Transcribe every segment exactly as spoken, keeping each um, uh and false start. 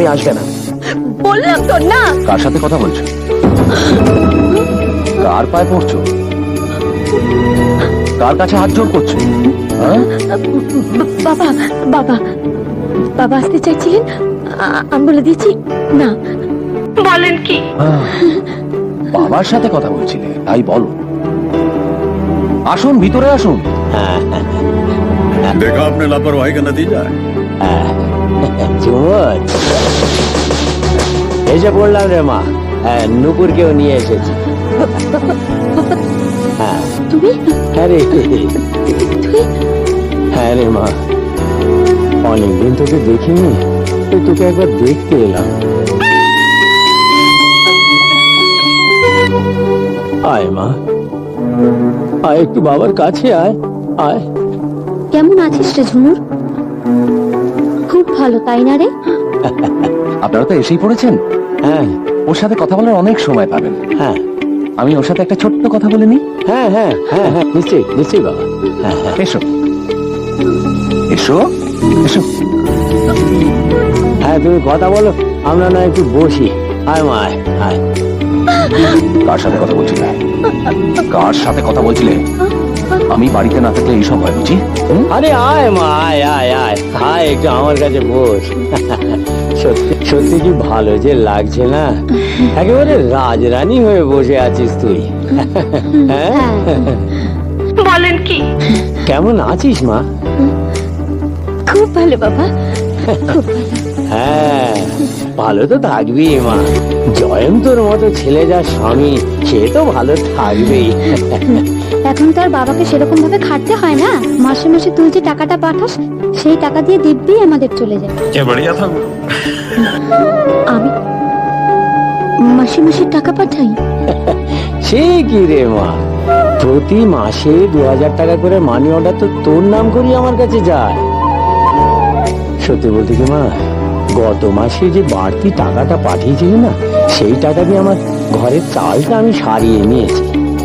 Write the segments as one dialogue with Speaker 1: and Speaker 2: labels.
Speaker 1: নিয়ে আসবে না।
Speaker 2: বললাম তো না।
Speaker 3: কার সাথে কথা বলছো? কার পায়ে পড়ছো? কার কাছে হাত জোর করছো? হ্যাঁ?
Speaker 2: বাবা বাবা বাবা আসতে চাইছিলেন, আমি বলে দিয়েছি না। বলেন কি?
Speaker 3: বাবার সাথে কথা বলছিলে, তাই বলো। আসুন, ভিতরে আসুন।
Speaker 4: देखा आपने लापरवाही का नतीजा है।
Speaker 1: ঝুমুর, এসে পড়লাম রে মা। হ্যাঁ, নুপুরকেও নিয়ে এসেছি। হ্যাঁ
Speaker 2: তুমি?
Speaker 1: হ্যাঁ রে,
Speaker 2: তুমি?
Speaker 1: হ্যাঁ রে মা, অনেকদিন তোকে দেখিনি, তো তোকে একবার দেখতে এলাম। আয় মা, আয় একটু বাবার কাছে আয়, আয়।
Speaker 2: কেমন আছিস রে ঝুমুর? খুব ভালো, তাই না রে?
Speaker 3: আপনারা তো এসেই পড়েছেন।
Speaker 1: হ্যাঁ
Speaker 3: ওর সাথে কথা বলার অনেক সময় পাবেন।
Speaker 1: হ্যাঁ
Speaker 3: আমি ওর সাথে একটা ছোট্ট কথা বলে নিই।
Speaker 1: হ্যাঁ হ্যাঁ হ্যাঁ হ্যাঁ নিশ্চয়ই নিশ্চয়ই বাবা। হ্যাঁ হ্যাঁ
Speaker 3: এসো এসো এসো।
Speaker 1: হ্যাঁ, তুমি কথা বলো, আমরা না একটু বসি। আয় মা, আয় আয়।
Speaker 3: কার সাথে কথা বলছিলে? কার সাথে কথা বলছিলে? আমি বাড়িতে না থাকলে এইসব হয় বুঝি?
Speaker 1: আরে আয় মা, আয় আয় আয় আয়, একটু আমার কাছে বস। সত্যি সত্যি কি ভালো যে লাগছে না, একেবারে রাজরানী হয়ে বসে আছিস তুই। হ্যাঁ,
Speaker 2: বলেন কি?
Speaker 1: কেমন আছিস মা?
Speaker 2: খুব ভালো বাবা, খুব ভালো।
Speaker 1: হ্যাঁ, ভালো তো থাকবি মা। জয়ন্তর মতো ছেলে যা স্বামী, সে তো ভালো থাকবেই।
Speaker 2: এখন তো আর বাবাকে সেরকম ভাবে খাটতে হয় না। মাসে মাসে তুই যে টাকাটা পাঠাস, সেই টাকা দিয়ে দিব্যি আমাদের চলে যায়।
Speaker 4: बढ़िया था।
Speaker 2: আমি মাসে মাসে টাকা পাঠাই?
Speaker 1: সে কি রে মা, প্রতি মাসে দু হাজার টাকা করে মানি অর্ডার তো তোর নাম করি আমার কাছে যায়। সত্যি বলতে কি মা, গত মাসে যে বাড়তি টাকাটা পাঠিয়েছিলি না, সেই টাকা দিয়ে আমার ঘরের চালটা আমি সারিয়ে নিয়েছি।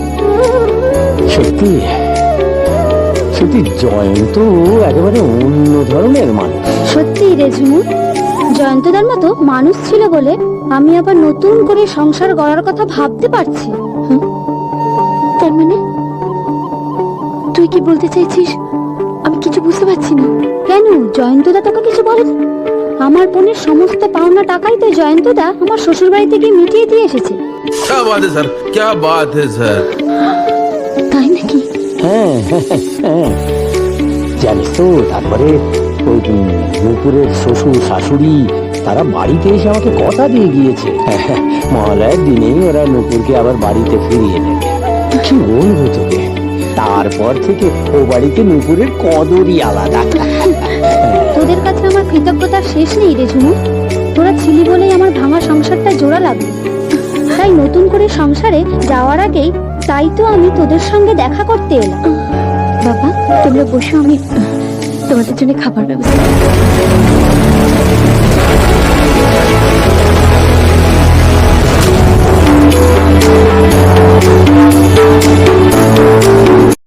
Speaker 1: সত্যি সত্যি জয়ন্ত একেবারে অন্য ধরনের মানুষ।
Speaker 2: সত্যি রে ঝুমুর, জয়ন্তদার মতো মানুষ ছিল বলে আমি আবার নতুন করে সংসার গড়ার কথা ভাবতে পারছি। হুম? তার মানে তুই কি বলতে চাইছিস? আমি কিছু বুঝতে পারছি না। কেন জয়ন্তদা তোকে কিছু বলেনি? আমার বোনের সমস্ত পাওনা টাকাই তো জয়ন্তদা আমার শ্বশুর বাড়িতে গিয়ে মিটিয়ে দিয়ে এসেছে।
Speaker 4: क्या बात है सर, क्या बात है सर।
Speaker 2: তাই নাকি?
Speaker 1: হ্যাঁ হ্যাঁ, জানিস তো, তারপরে ওই নুপুরের শ্বশুর শাশুড়ি তারা বাড়িতে এসে আমাকে কথা দিয়ে গিয়েছে, মহালয়ার দিনেই ওরা নুপুরকে আবার বাড়িতে ফিরিয়ে নেবে। কি বলবো তোকে, তারপর থেকে ও বাড়িতে নুপুরের কদরই আলাদা।
Speaker 2: তোদের কাছে আমার কৃতজ্ঞতার শেষ নেই রে ঝুমুর। তোরা ছিলি বলেই আমার ভাঙা সংসারটা জোড়া লাগলো। তাই নতুন করে সংসারে যাওয়ার আগেই তাই তো আমি তোদের সঙ্গে দেখা করতে এলাম। বাবা তোমরা বসো, আমি তোমাদের জন্য খাবার ব্যবস্থা